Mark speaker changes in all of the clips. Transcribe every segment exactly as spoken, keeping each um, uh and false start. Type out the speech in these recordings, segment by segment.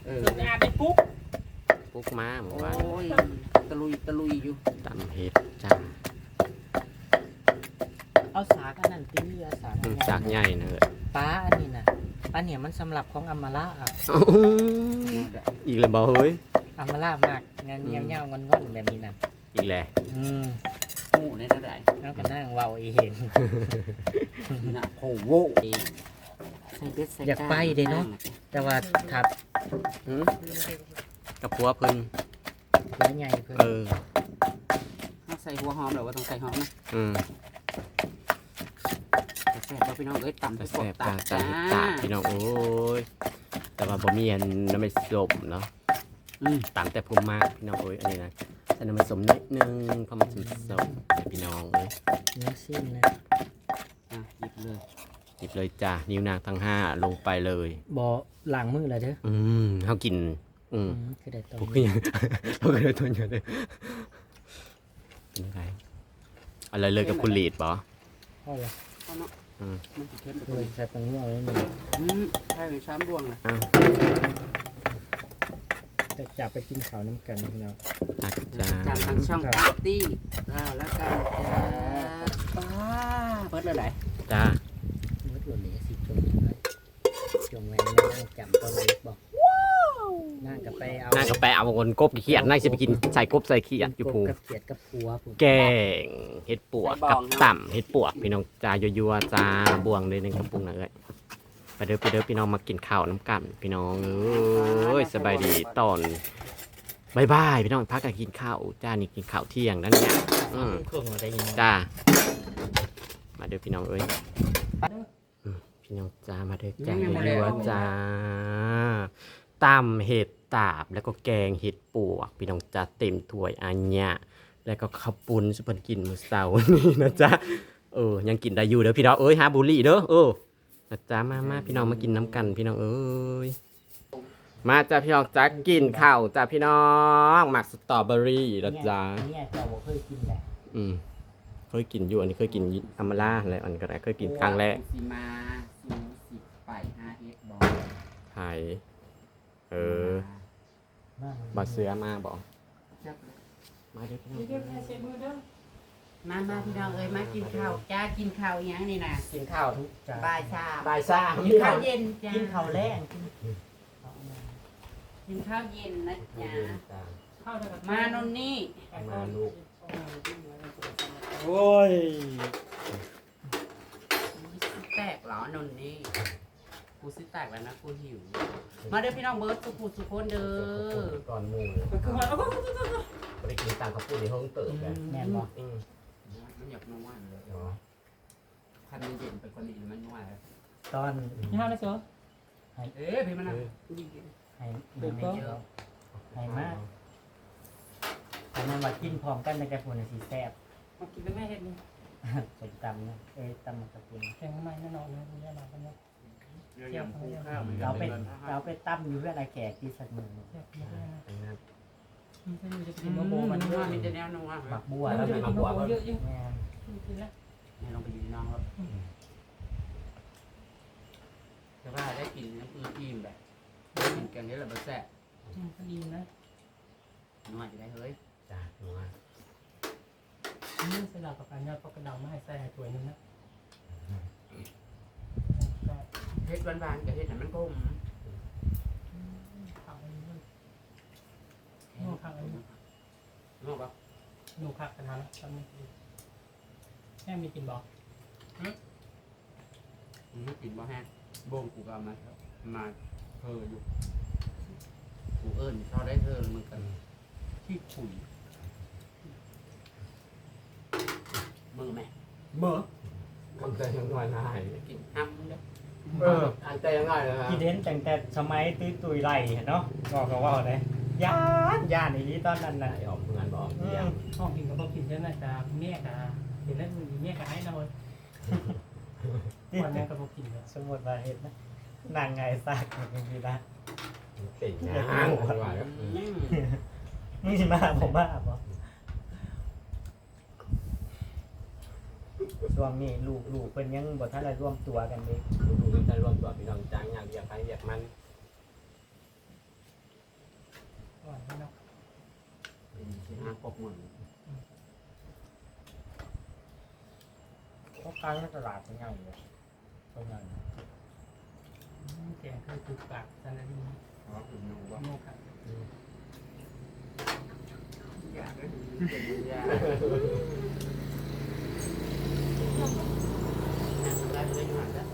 Speaker 1: เออ
Speaker 2: ส่วนอาเป็นปุ๊ก
Speaker 3: ปุ๊กมาเมื่อ
Speaker 1: โอ้
Speaker 3: วาน
Speaker 1: ยตะลุยตะลุยอยู่
Speaker 3: ตำเห็ดจ้า
Speaker 2: เอาสากอันนั้นตีเอาสาก
Speaker 3: อืมจากใหญ่นะเลย
Speaker 2: ป้าอันนี้นะอันเนี้ยมันสำหรับของอัมมาล่าอ่ะ
Speaker 3: อีกเลยบ่เฮ้ย
Speaker 2: อัมมาล่ามากงานเงี้ยวเงี้ยวงอนงอนแบบนี้นะ
Speaker 3: อีกแหละ
Speaker 2: อืม
Speaker 1: หมูในระดับ
Speaker 2: แล้วก็นั่งเว้าอีเห็น
Speaker 1: น่ะโผโว้ใส่เบ็ดใส่
Speaker 2: อยากไปเด้เนาะแต่ว่าถัด
Speaker 3: หืมกับผัวเพิ่น
Speaker 2: หัวใหญ่เพิ่น
Speaker 3: เออ
Speaker 1: เอาใส่หัวหอมหรือว่าต้องใส่หอมนะ
Speaker 3: อืม
Speaker 1: แต่แซ่บบ่พี่น้องเอ้ยตำ
Speaker 3: แต่
Speaker 1: ที่ป
Speaker 3: แซ่
Speaker 1: ก
Speaker 3: บ
Speaker 1: ตั
Speaker 3: จ้า
Speaker 1: บ
Speaker 3: จ้า
Speaker 1: จ้า
Speaker 3: เห็ดตาพี่น้องโอ้ยแต่ว่าบ่มีอันน้ำมันสมเนาะ
Speaker 1: อืม
Speaker 3: ตามแต่ภูมิมากพี่น้องเอ้ยอันนี้นะแต่น้ำมันสมนิดนึงเพราะมันสมสมแต่พี่น้องเอ้ย
Speaker 2: เนื้อสิ้นนะ
Speaker 1: อ่ะหยิบเลย
Speaker 3: หยิบเลยจ้านิ้วนางทั้งห้าลงไปเลย
Speaker 2: บ่ล้างมือเลยเด้อ
Speaker 3: อืมเฮากิน อืม
Speaker 2: อืมคือได้ตรง
Speaker 3: พวกนี้เราก็เลยตัวเยอะเลยเป็นไงอะไรเลยกับคุณลีดปะ
Speaker 2: พ่อเลย
Speaker 1: เอาเนาะ
Speaker 3: อืม
Speaker 1: มันสิเข้มไป
Speaker 2: เล
Speaker 1: เลย ย
Speaker 2: ใส่ตังหัวไว้หนึ่ง
Speaker 1: อืมใช่เลยช้ำดวงเลย
Speaker 3: อ้าว
Speaker 2: จะจับไปกินข้าวน้ำกันพี่น้อง
Speaker 3: ตักจ้า
Speaker 1: จากทางช่องปาร์ตี้อ่าแล้วกันจ้าป้าเปิดเลยไหน
Speaker 3: จ้า
Speaker 2: มืดหล่นเลยสิจงไว้จงไว้นั่งจำตัวเล็กบอกนั่งกับไปเอา
Speaker 3: น่าก็ไปเอาคนกบเขียดน่าจะไปกินใส่กบใส่เขียดอยู่ผู
Speaker 2: กับเขียดกับผัวผม
Speaker 3: แกงเห็ดปวกกับต่ำเห็ดปวกพี่น้องจ้ายัวๆจ้าบวงเลยในกระปุกนะเอ้ยไปเด้อไปเด้อพี่น้องมากินข้าวน้ำกันพี่น้องเอ้ยสบายดีตอนบายบายพี่น้องพักกันกินข้าวจ้านี่กินข้าวเที่ยงนั่นเนี่ยอืม
Speaker 2: เครื่องอะไรยังไง
Speaker 3: จ้า มาเด้อพี่น้องเอ้ยอืมพี่น้องจ้ามาเด้อจ้ายัวๆจ้าตำเห็ดตาบแล้วก็แกงเห็ดปวก พี่น้องจ้าเต็มถ้วยอันเนี้ยแล้วก็ข้าวปุ้นสุพรรณกินมื้อเช้านี่นะจ๊ะเออยังกินได้อยู่เด้อพี่น้องเอ้ยหาบุหรี่เด้อเออนะจ๊ะมามาพี่น้องมากินน้ำกันพี่น้องเอ้ยมาจ้าพี่น้องจ้ากินข้าวจ้าพี่น้องหมักสตรอเบอรี่นะจ๊ะ
Speaker 2: เนี่ยเจ้าบอกเคยกินแหละ
Speaker 3: อืมเคยกินอยู่อันนี้เคยกินอัมมาล่าอะไรอันนี้ก็ได้เคยกินครั้งแรก
Speaker 1: สิมาสูสิบไปห้าเอ็ดบอล
Speaker 3: ไทยเออ บาเสือมาบอกมาเด้อพี่น้อง
Speaker 1: มามาพี่น้องเอ้ยมากินข้าวจ้ากินข้าวอีหยังนี่นะ
Speaker 3: กินข้าวทุก
Speaker 1: บ่ายชา
Speaker 3: บ่ายซ่า
Speaker 1: กินข้าวเย็นจ้า
Speaker 2: กินข้าวแรง
Speaker 1: กินข้าวเย็นนะจ้า
Speaker 3: จ้า
Speaker 1: มานนนี่
Speaker 3: มาลูก
Speaker 2: โอ้ย
Speaker 1: แตกเหรอนนนี่กูสิแตกแล้วนะกูหิว มาเด้อพี่น้องเบิร์ดสุขุสุขคนเด้อ
Speaker 3: ก่อนหมูไปกินตังข้าวปุ้นในห้องเติบแบบ
Speaker 2: แม่นบอก
Speaker 3: อืม
Speaker 1: มันอยากนัวเลย
Speaker 3: เนาะ
Speaker 1: คันมันเย็นเป็นคนดีมันนัวเลย
Speaker 2: ตอน
Speaker 4: นี่ห้าเลยเสือ
Speaker 1: เอ๊ะพี่มันนะ
Speaker 2: ให้ไม่ไม่เยอะให้มากอันนั้นว่ากินพร้อมกันในกระปุกสีแซ่บ
Speaker 4: มากินแล้วแม่เห็ดนี่
Speaker 2: ใส่ตำนะเอ้ยตำมันกระปุก
Speaker 4: แกงใหม่แน่นอนนะคุณย่าหลับกันเนาะ
Speaker 1: เรื่องยำคู่ข้าว
Speaker 2: เราไปเราไปตั้มอยู่เพื่ออะไรแขกที่สักมือ
Speaker 4: แซ่บมากเลยนะ
Speaker 3: อันนั้น
Speaker 4: มันจะมีจะ
Speaker 1: กิ
Speaker 4: กิ
Speaker 1: น
Speaker 4: น
Speaker 1: มะ
Speaker 4: มะ
Speaker 1: โบ
Speaker 4: โบ
Speaker 1: มั
Speaker 4: มัน น
Speaker 1: นั
Speaker 4: เยว อะ
Speaker 1: มีแต่แนวนัว
Speaker 2: หมักบัว
Speaker 4: แล้
Speaker 2: แล้ว ว
Speaker 4: จะกินมะโบเยอะยิ่ง
Speaker 2: แม่
Speaker 4: กินแล้ว
Speaker 1: นี่ลองไปดูน้องครับแต่ว่าได้กินน้ำอืดอิ่มแบบได้กินแกงนี้แหละบะแซ่บ
Speaker 4: ก็ดีนะ
Speaker 1: นัวจะได้เฮ้ย
Speaker 3: จ้าหนูว่า
Speaker 4: นี่สลับกับการยอดปลากระเดามาให้ใส่ถ้วยนึงนะ
Speaker 1: เฮ็ดหวานๆกับเฮ็ดให้มันกลม
Speaker 4: ข้าวอันนี้นูข้าวอันนี้
Speaker 1: นัวปะ
Speaker 4: นูข้าวกันนะตอนนี้แม่มีกินบอก
Speaker 1: อืมกินบ่แห้งโบ่งกูก็เอามาครับมาเธออยู่กูเอิ้นเขาได้เธอมันกันที่ขุยมือแม่มือ
Speaker 3: มันจะยังน้อยนาย
Speaker 1: กินอ้ำเด้อ
Speaker 3: เอออันแต่ยังน้อยนะฮะ
Speaker 2: กินเห็นแต่แต่สมัยตื้อตุยไหลเนาะบอกกันว่าเลยย่านย่านอย่างนี้ตอนนั้น
Speaker 3: ไหน
Speaker 2: น่ะ
Speaker 3: ออกงานบอก
Speaker 2: อื
Speaker 3: เยี่ยม
Speaker 2: ม
Speaker 4: ห้องกินกับพ่อกินเยอะนะจ๊ะเมียกะเห็นแล้วเมียกะให้นอนวันนี้กับพ่อกินเลย
Speaker 2: สมมติว่าเห็นนะนางไงซากอย่างนี้นะ
Speaker 3: ติดนะห้างคนว่าแล้ว
Speaker 1: อืม
Speaker 2: มึงสิมาผมมาบ่ช่วงนี้ลูกลูกเป็นยังบ่ทันได้ร่วมตัวกันเด้
Speaker 3: ดูดูจะรวมตัวพี่น้องจ้างอยากอยากใครอยากมัน
Speaker 1: กเหมือน
Speaker 2: เพราะการตลาดเป็นยังไงเลยตรงนั้น
Speaker 4: แกงคือถูกปากสันนิษฐาน
Speaker 1: อ๋อคือนูว่า
Speaker 4: โง่ครับ
Speaker 1: อยากได้เป็นยาได้เลยหน่อยนะ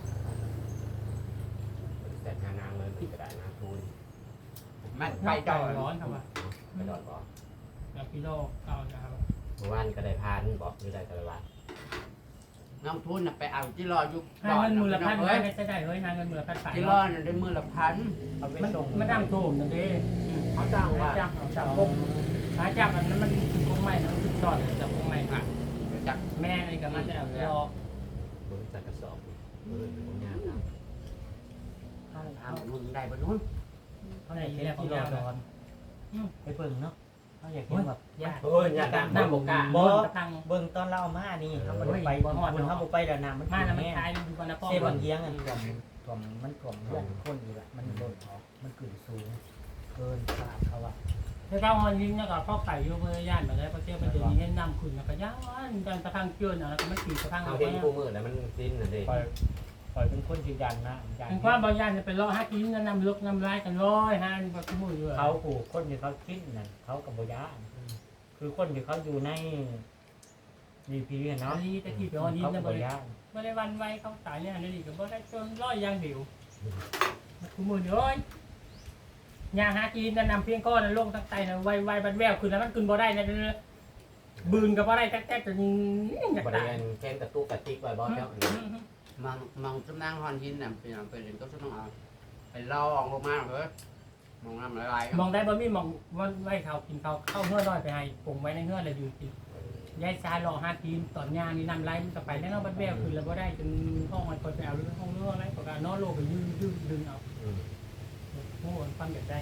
Speaker 3: แต่งานางเลยมันก็ได้งานทุน
Speaker 1: มัน
Speaker 4: ไป
Speaker 1: ไป
Speaker 4: จ่
Speaker 1: จ่
Speaker 4: อ
Speaker 1: อย
Speaker 4: ร้อนครับว่า
Speaker 3: ไปดอดบอก
Speaker 4: แล้วพี่โลกเอานะครับ
Speaker 3: เมื่อวานก็ได้พานบอกไม่ได้แต่ละวัน
Speaker 1: น้องทุนไปเอาที่รอยุค
Speaker 4: ให้เงินมือละพัน
Speaker 1: เฮ้ย
Speaker 4: ไม่ได้ได้เฮ้ยนางเงินมือละพันไป
Speaker 1: ที่รอได้มือละพัน
Speaker 2: เอาไป
Speaker 4: มัน
Speaker 2: ส่ง
Speaker 4: มันดังโถมนั่นเด้
Speaker 1: เขาจ้างว่า
Speaker 4: จับเอาจับพวกหาจับอันนั้นมันคงไม่นะมันจอดจับคงไม่ค่ะ
Speaker 1: จาก
Speaker 4: แม่ไอ้กับมันจะเอารอ
Speaker 3: เมื่อจากกระสอบเมื่อผมงานนะ
Speaker 1: เอาเอามึงได้ปะนู้น
Speaker 2: เขาอยากเห็นที่รอดอนไปเบิ่งเนาะเขาอยากเห็นแบบ
Speaker 4: ยาก
Speaker 3: เฮ้ยอยากดัง
Speaker 4: น้ำ
Speaker 3: บบ ก
Speaker 4: ก
Speaker 3: กา
Speaker 4: า
Speaker 2: บ่
Speaker 4: กระตัง
Speaker 2: เบิ่งตอนเราเอามานี่เขาบ่ได้ไปคุณเขาบ่ไปแล้วน้ำมัน
Speaker 4: มาแล้วมัน
Speaker 2: แห้ง
Speaker 4: คลายดูกันนะพ่อ
Speaker 2: เซบันเทียงอันถ่วมถ่วมมันถ่วมเพื่อนคนอีกละมันโดนออกมันขึ้นสูงเกินคาดเขาว่า
Speaker 4: ถ้าเขาหอนยิงเนี่ยก็พ่อไก่อยู่เพื่อย่านแบบนี้พอเจ้าไปเจอนี้ให้น้ำขุ่นแล้วก็ย่างกันกระทังเกินอะไรก็ไม่ตีกระทัง
Speaker 3: เอา
Speaker 4: เอา
Speaker 3: เห็
Speaker 4: ไป
Speaker 3: นกูมือแล้วมันสิ้นน่ะดิ
Speaker 2: ปล่อยปล่อยเป็นคนยืนยันนะยัน
Speaker 4: เป็นความบางย่านจะเป็นล้อห้ากินน้ำลึกน้ำลายกันร้อยห้านี่ก็คุ้มอยู่
Speaker 2: เขาผูกคนที่เขาคิดนั่นเขากับโบยานคือคนที่เขาอยู่ในดีพีเนาะ
Speaker 4: นี่ตะกี้ไปหอนยิง
Speaker 2: เขา
Speaker 4: นะ
Speaker 2: กับโบ
Speaker 4: บ่ได้
Speaker 2: ยาน
Speaker 4: บ่ได้วันไว้เขาตายเนี่ยนี่ก็บ่ได้จนร้อยยางเดียวคุ้มอยู่เอ้ยยางหากินนำเพียงก้อนลงตั้งใจนะไวไวบันแววขึ้นแล้วมันขึ้นบ่ได้นะบืนกับบ่ได้แต๊กๆจนอยาก
Speaker 3: บริ
Speaker 4: ตาย
Speaker 3: เวณแค้นกระตุกกระติกไว้บอกเจ้า
Speaker 1: มองมองสำนักฮอนหินน่ะเป็นอย่างเป็นอย่างก็ต้องเอาไปล่อออกลงมาเลยมองน้ำลาย
Speaker 4: มองได้บ่มีมองว่าไว้เขากินเขาเข้าเฮือน้อยไปให้ปรุงไว้ในเฮือแล้วอยู่กินยายซารอหากินตอนยางนี่นำไรมันก็ไปแล้วเนาะบัดแววขึ้นแล้วบ่ได้จนห้องมันคนไปเอาหรือห้องเรืออะไรก็การนอนโลไปยืดยืดดึงเอาโอ้ยความอยากได้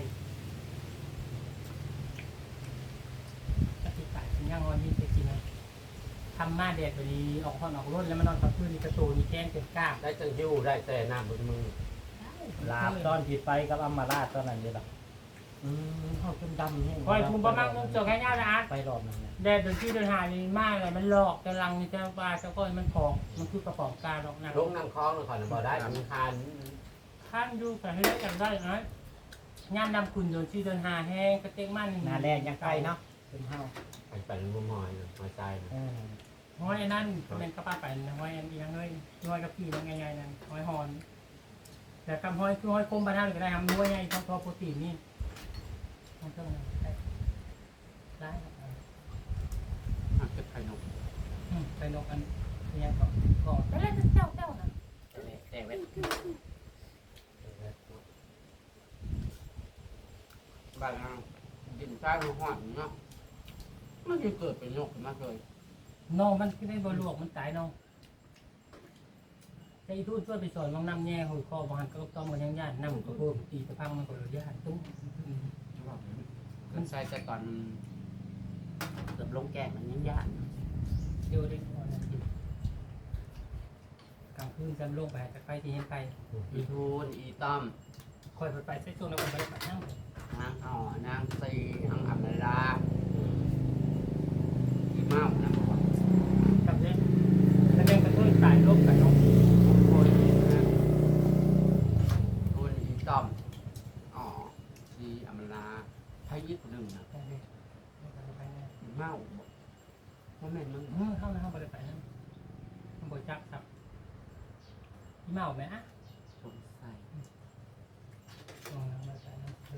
Speaker 4: ปฏิบัติย่างวันนี้จริงๆนะทำมาแดดไปดีออกห้องออกรถแล้วมานอนกับพื้นในกระตูนี่แกงเต็มกล้าม
Speaker 3: ได้จังยิ้วได้แต่หน้าบนมือ
Speaker 2: ลาบตอนผิดไปกับอัมมาราชตอนนั้นเลยหรออืมเขาเป็นดำเนี่ย
Speaker 4: คอยภูมิประมาณนึงเจอแค่ยาละอาร์ต
Speaker 2: ไปรอบนั้นเนี่ย
Speaker 4: แดดเดินที่เดินหานี่มากเลยมันหลอกกำลังนี่เจ้าปลาเจ้าก้อยมันผองมันคือกระป๋องกาหรอกนะ
Speaker 3: ลงน้ำคลองเลยก่อนบ่ได้มันคาน
Speaker 4: ท่านดูแต่ให้ได้กันได้นะงานดำคุณโดนที่เดินหาแห้งกระเต็งมัน
Speaker 2: หนาแดงยังไกลเนาะเป็นเฮา
Speaker 3: ไปเป็นมุมมอยหัวใจ
Speaker 2: เออ
Speaker 4: ห้อยนั่นเป็นกระป้าไปห้อยอันอีกยังเลยห้อยกับพี่มันง่ายๆนั่นห้อยหอนแต่คำห้อยคือห้อยคมบรรทัดก็ได้ทำด้วยไงทอโปรตีนนี่มันเท่านั้นได้ได้
Speaker 1: หักจะไข่นก
Speaker 4: ไปนกอันนี้ก่อนก่อนแต่แล้วเจ้าเจ้านะ
Speaker 1: แต่เว้นบ้านเราดินใต้หัวหอนเนาะมันจะเกิดเป็นนกมาเลย
Speaker 4: น้องมันคือได้บรลวกมันตายน้องไอ้ทูตช่วยไปสอนน้องน้ำแง่หัวคอบางหันก็ต้องมันยังย่านน้ำก็เพิ่มตีตะพังมันก็เลยย่านตุ้ม
Speaker 1: มันใส่แต่ก่อนเกือบลงแก่มันยังยาก
Speaker 4: เดี๋ยวได้ก่อนกลางคืนจำลงไปจะไปที่ยังไป
Speaker 1: อีทูนอีต้อม
Speaker 4: คอยไปใส่ช่วงแล้วก็ไปปัดนั่ง
Speaker 1: นางอ่อนางซีนางอับนาลาอีเมานะบอกว่า
Speaker 4: กับเนี้ยแล้วเป็นกระตุ้นสายลบกับน้อง
Speaker 1: คนนะคนอีต้อมอ๋อซีอับนาลาไทยยิปหนึ่งนะอีเมาบอกว่าแม่นมึง
Speaker 4: เออเข้านะเข้าไปไปนั่งมันบริจักครับพี่เมาไหมอ่ะ
Speaker 1: สงสัย
Speaker 4: ลองนะมาใส่นั่งคือ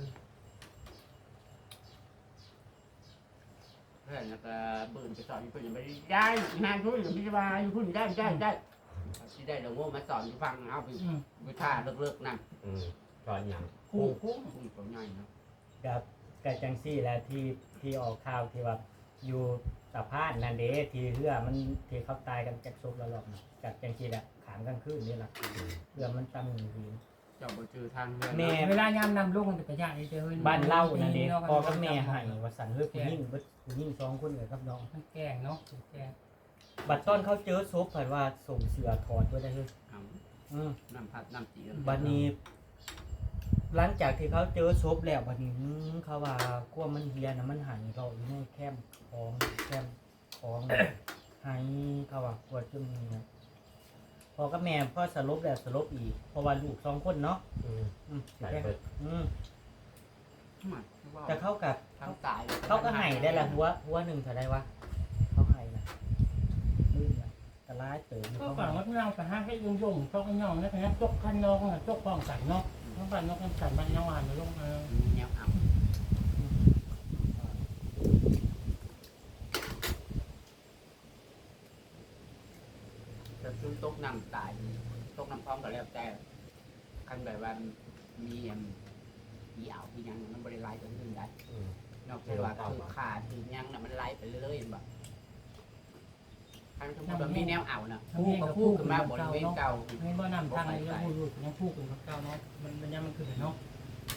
Speaker 1: เพื่อนแล้วก็เบิ่นไปสอนอยู่เพื่อนยังไม่ได้ได้งานทุนอยู่พิจารณาอยู่พุ่นได้ได้ได้ที่ได้เราโง่มาสอนอยู่ฟังเอาไป
Speaker 4: อืม
Speaker 1: วิชาเลิกๆนั่น
Speaker 3: อืมตอนอย่าง
Speaker 1: คู่คู่คู่ตัวใหญ่เนาะ
Speaker 2: กับกับจังซี่แหละที่ที่ออกข่าวที่ว่าอยู่สะพานนันเดที่เรือมันที่เขาตายกันจากศพละรอบจากจังซี่แหละขามกลางคืนนี่แหละเรือมันตั้งอยู่ดี
Speaker 1: เจ้าบ่จือทางเรือ
Speaker 2: แม่
Speaker 4: เวลายามนำลูกมันจะไปยากไอ้เจ้าเฮ้ย
Speaker 2: บ้านเล่านั่นเองพ่อกับแม่ให้ว่าสันเฮ้ยผู้หญิงเบิดผู้หญิงสองคนเลยครับน้อง
Speaker 4: มันแกงเนาะแกง
Speaker 2: บัดตอนเขาเจอศพเผยว่าส่งเสือถอดไว้ได้เลย
Speaker 1: เอา
Speaker 2: อืม
Speaker 1: น้ำพัดน้ำจี
Speaker 2: บัดนี้หลังจากที่เขาเจอศพแล้วบัดนี้อื้อเขาว่ากลัวมันเฮียนะมันหายเราอยู่ในแคมป์ของแคมป์ของหายเขาว่ากลัวจนมีนะพอกับแม่พ่อสลบแล้วสลบอีกเพราะว่าลูกสองคนเนาะ
Speaker 3: อืม
Speaker 2: อืม
Speaker 3: ใส่เบิด
Speaker 2: อืม
Speaker 1: มา
Speaker 2: แต่เขากับ
Speaker 1: ทางตาย
Speaker 2: เขาก็ให้ได้ละหัวหัวหนึ่งเท่าไรวะเขาให้นะลื่นนะแต่ร้ายเติม
Speaker 4: ก็
Speaker 2: เขา
Speaker 4: ฝัง
Speaker 2: ให้
Speaker 4: ว่าเราไปหาให้ยุ่งยุ่งจกย่องนะครับจกคันนองจกฟองสันเนาะต้องการนกกันสันบ้านยังหวานมาลงมา
Speaker 1: แนวอ่ำจะซื้อตกน้ำตายตกน้ำพร้อมก็แล้วแต่คันแบบว่ามีอันมีอ่าวที่ยังมันบริไลตัวอื่นได้
Speaker 3: อืม
Speaker 1: นอกจากว่าคือขาดคือยังน่ะมันไล่ไปเรื่อยๆเห็นบ่ทางสมมติว่ามีแนวอ่าวน่ะพูกับพูขึ้นมาบริเวณเก่า
Speaker 4: ไม่บ่นำทางนี้ยังพูดอยู่ยังพูดกันกับเก่าเนาะมันมันยังมันคือเนาะ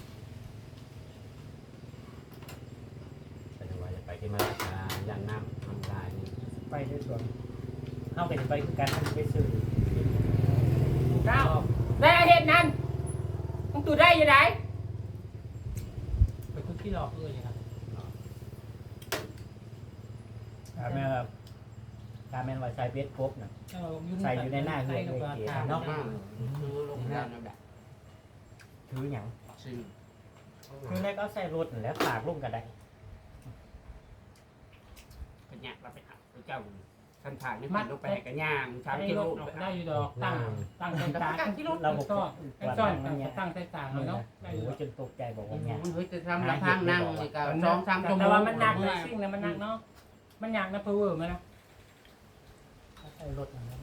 Speaker 3: แต่ว่าจะไปที่มาราชาย่านน้ำทำลายนี่
Speaker 2: ไปด้วยส่วนเข้าไปไปคือการทำไปซื้อ
Speaker 4: เก้าได้เห็นนั่นต้องตูได้ยังไงไปคุกที่หลอกเลยครับ
Speaker 2: การแม่ครับการแม่ว่าใส่เบสครบน่ะ
Speaker 4: ใส่อยู่ในหน้าเหือกเลยเก๋เนาะ
Speaker 1: มากคือลงด้านนั่นแหละ
Speaker 2: ถือหยัง
Speaker 1: ซึ่ง
Speaker 2: คือแรกก็ใส่รถนั่นแหล้วฝากลงกันได้
Speaker 1: เป็นเนี่ยเราไปหาไปเจ้าท่านถ่ายนี่มันลงไปให้กันย่างสาม
Speaker 4: ได้
Speaker 1: กิโล
Speaker 4: ได้อยู่ดอกตั้งตั้งใจตาตั้งที่รถ
Speaker 2: เราบอก
Speaker 4: ก็
Speaker 2: ว่า
Speaker 4: ซ่อน
Speaker 2: มันเนี่ย
Speaker 4: ตั้งใจตา
Speaker 2: โอ้
Speaker 4: เนาะ
Speaker 2: โหจนตกใจบอกว่าเนี่ย
Speaker 1: มันเฮ้ยจะทำลำพังนั่งนี่ก็สองสามชั่วโมง
Speaker 4: แต่ว่ามันหนักเลยซิ่งนะมันหนักเนาะมันหนักนะเพอเวอร์มันนะ
Speaker 2: ใส่รถนั่นแหละ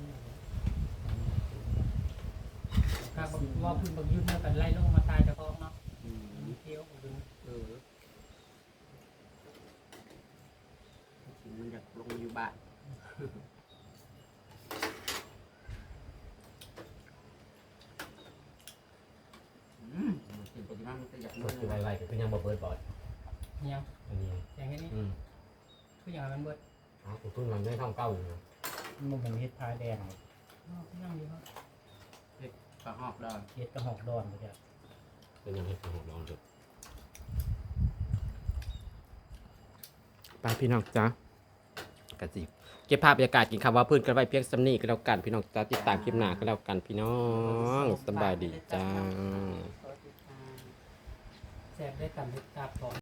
Speaker 4: ครับว่าพึ่งบังยืนมากันไล่ลงมาตายจะคล้องเนาะ
Speaker 1: อืม
Speaker 4: เที่ยวดึง
Speaker 1: เออมันจะลงอยู่บ้านอืมกินปกติมันจะอยาก
Speaker 3: ร
Speaker 1: มื
Speaker 3: ถคือไวๆก็คือยังบ่เบิดบอด
Speaker 4: ยัง
Speaker 3: อันนี้
Speaker 4: อย่างนี้
Speaker 3: อืม
Speaker 4: ทุกอย่างมันเบิด
Speaker 3: อ๋อกูเพิ่งมันไม่ท่องเก้าอยู่นะ
Speaker 2: มันเป็นเฮ็ดพาแดง
Speaker 4: ยังอยู่ครับ
Speaker 1: ปลาหอกดอน
Speaker 2: เฮ็ดกระหอกดอนไปจ้ะ
Speaker 3: เป็นยังให้ฟังของน้องดูไปพี่น้องจ้ากระจิบเก็บภาพบรรยากาศกินข้าวว่าพื้นกันไว้เพียงสำนีก็แล้วกันพี่น้องจ้าติดตามคลิปหน้าก็แล้วกันพี่น้องสบายดีจ้า
Speaker 4: แสบได้ต่ำได้ตาปอน